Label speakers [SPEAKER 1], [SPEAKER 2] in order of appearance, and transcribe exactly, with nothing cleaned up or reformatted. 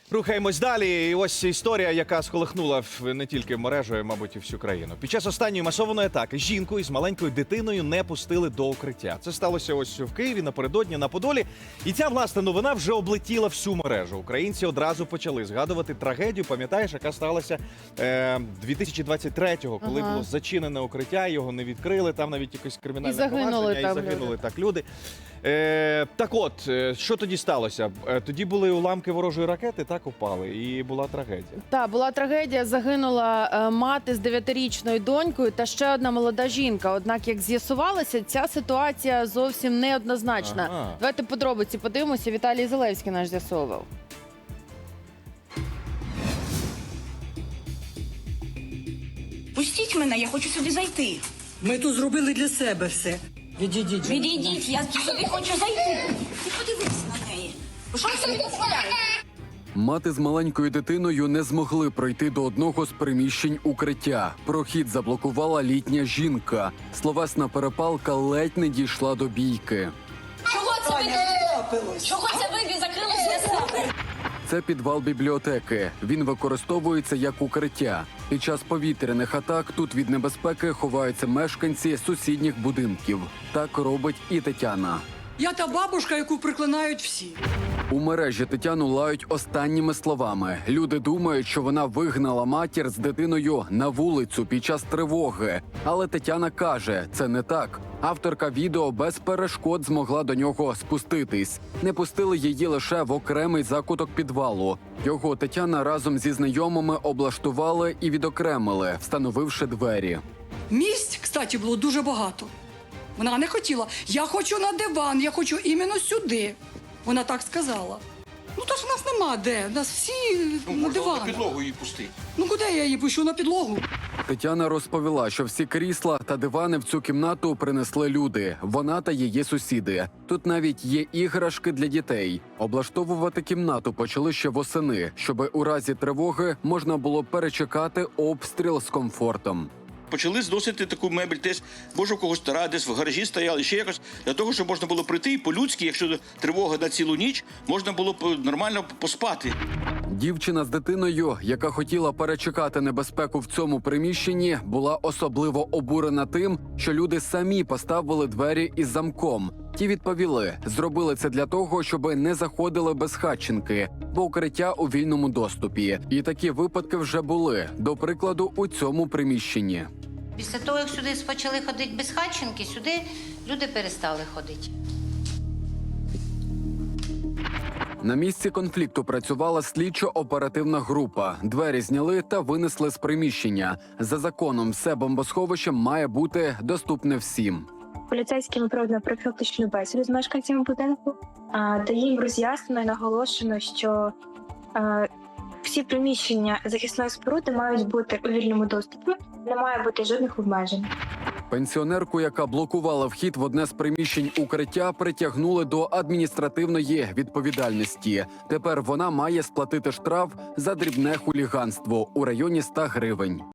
[SPEAKER 1] Рухаємось далі. І ось історія, яка сколихнула не тільки мережу, а, мабуть, і всю країну. Під час останньої масованої атаки жінку із маленькою дитиною не пустили до укриття. Це сталося ось в Києві напередодні на Подолі. І ця, власне, новина вже облетіла всю мережу. Українці одразу почали згадувати трагедію, пам'ятаєш, яка сталася е, дві тисячі двадцять третього, коли ага. було зачинене укриття, його не відкрили, там навіть якесь кримінальне
[SPEAKER 2] і загинули
[SPEAKER 1] провадження,
[SPEAKER 2] там
[SPEAKER 1] і загинули
[SPEAKER 2] люди.
[SPEAKER 1] так люди. Е, так от, що тоді сталося? Е, тоді були уламки ворожої ракети, так упали, і була трагедія.
[SPEAKER 2] Так, була трагедія, загинула е, мати з дев'ятирічною донькою та ще одна молода жінка. Однак, як з'ясувалося, ця ситуація зовсім неоднозначна.
[SPEAKER 1] Ага.
[SPEAKER 2] Давайте подробиці подивимося. Віталій Зелевський наш з'ясовував.
[SPEAKER 3] Пустіть мене, я хочу сюди зайти.
[SPEAKER 4] Ми тут зробили для себе все. Відійдіть.
[SPEAKER 3] Відійдіть, я сюди хочу зайти. Ти подивись на неї. Ви що собі дозволяєте?
[SPEAKER 5] Мати з маленькою дитиною не змогли пройти до одного з приміщень укриття. Прохід заблокувала літня жінка. Словесна перепалка ледь не дійшла до бійки.
[SPEAKER 3] Чого це ви? Чого це ви закрилися для себе?
[SPEAKER 5] Це підвал бібліотеки. Він використовується як укриття. Під час повітряних атак тут від небезпеки ховаються мешканці сусідніх будинків. Так робить і Тетяна.
[SPEAKER 4] Я та бабушка, яку приклинають всі.
[SPEAKER 5] У мережі Тетяну лають останніми словами. Люди думають, що вона вигнала матір з дитиною на вулицю під час тривоги. Але Тетяна каже, це не так. Авторка відео без перешкод змогла до нього спуститись. Не пустили її лише в окремий закуток підвалу. Його Тетяна разом зі знайомими облаштували і відокремили, встановивши двері.
[SPEAKER 4] Місць, кстати, було дуже багато. Вона не хотіла. Я хочу на диван, я хочу іменно сюди. Вона так сказала. Ну, то ж у нас нема де. У нас всі
[SPEAKER 6] Ну,
[SPEAKER 4] на
[SPEAKER 6] можна
[SPEAKER 4] диван.
[SPEAKER 6] на підлогу її пустити.
[SPEAKER 4] Ну, куди я її пущу? На підлогу?
[SPEAKER 5] Тетяна розповіла, що всі крісла та дивани в цю кімнату принесли люди. Вона та її сусіди. Тут навіть є іграшки для дітей. Облаштовувати кімнату почали ще восени, щоби у разі тривоги можна було перечекати обстріл з комфортом.
[SPEAKER 6] Почали зносити таку мебель, десь, може, у когось стара, десь в гаражі стояли, ще якось, для того, щоб можна було прийти і по-людськи, якщо тривога на цілу ніч, можна було б нормально поспати.
[SPEAKER 5] Дівчина з дитиною, яка хотіла перечекати небезпеку в цьому приміщенні, була особливо обурена тим, що люди самі поставили двері із замком. Ті відповіли, зробили це для того, щоб не заходили безхатченки, бо укриття у вільному доступі. І такі випадки вже були, до прикладу, у цьому приміщенні.
[SPEAKER 7] Після того, як сюди почали ходити безхатченки, сюди люди перестали ходити.
[SPEAKER 5] На місці конфлікту працювала слідчо-оперативна група. Двері зняли та винесли з приміщення. За законом, все бомбосховище має бути доступне всім.
[SPEAKER 8] Поліцейськими проведено профілактичну бесіду з мешканцями будинку, а, та їм роз'яснено і наголошено, що а, всі приміщення захисної споруди мають бути у вільному доступі, не має бути жодних обмежень.
[SPEAKER 5] Пенсіонерку, яка блокувала вхід в одне з приміщень укриття, притягнули до адміністративної відповідальності. Тепер вона має сплатити штраф за дрібне хуліганство у районі ста гривень.